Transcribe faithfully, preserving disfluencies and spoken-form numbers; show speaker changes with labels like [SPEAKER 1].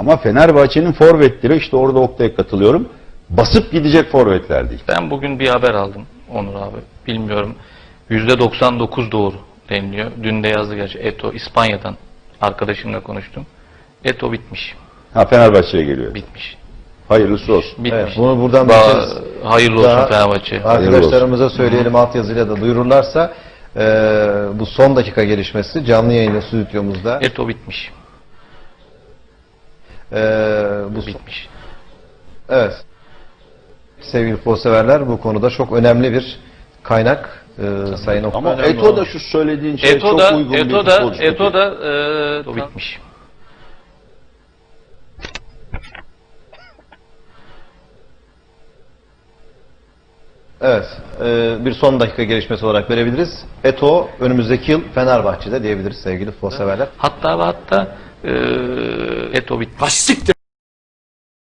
[SPEAKER 1] Ama Fenerbahçe'nin forvetleri, işte orada Oktay'a katılıyorum, basıp gidecek forvetler değil.
[SPEAKER 2] Ben bugün bir haber aldım Onur abi. Bilmiyorum. yüzde doksan dokuz doğru deniliyor. Dün de yazdı gerçi. Eto İspanya'dan arkadaşımla konuştum. Eto bitmiş.
[SPEAKER 1] Ha, Fenerbahçe'ye geliyor.
[SPEAKER 2] Bitmiş.
[SPEAKER 1] Hayırlısı olsun.
[SPEAKER 2] Bitmiş.
[SPEAKER 3] Evet, bunu buradan
[SPEAKER 2] Daha
[SPEAKER 3] bir kez
[SPEAKER 2] hayırlı olsun
[SPEAKER 3] daha
[SPEAKER 2] Fenerbahçe.
[SPEAKER 3] arkadaşlarımıza söyleyelim, altyazıyla da duyururlarsa e, bu son dakika gelişmesi canlı yayında stüdyomuzda
[SPEAKER 2] Eto bitmiş.
[SPEAKER 3] e, bu
[SPEAKER 2] Bitmiş.
[SPEAKER 3] evet sevgili futbolseverler, bu konuda çok önemli bir kaynak e, Sayın Oktay.
[SPEAKER 1] Ama Eto da şu söylediğin şey
[SPEAKER 2] Eto
[SPEAKER 1] çok
[SPEAKER 2] da
[SPEAKER 1] uygun bir
[SPEAKER 2] Eto da
[SPEAKER 1] futbolcu.
[SPEAKER 2] Eto da e, bitmiş.
[SPEAKER 3] Evet, e, bir son dakika gelişmesi olarak verebiliriz. Eto önümüzdeki yıl Fenerbahçe'de diyebiliriz sevgili futbolseverler.
[SPEAKER 2] Hatta ve hatta e, Eto bitmiş.
[SPEAKER 4] Ha siktir.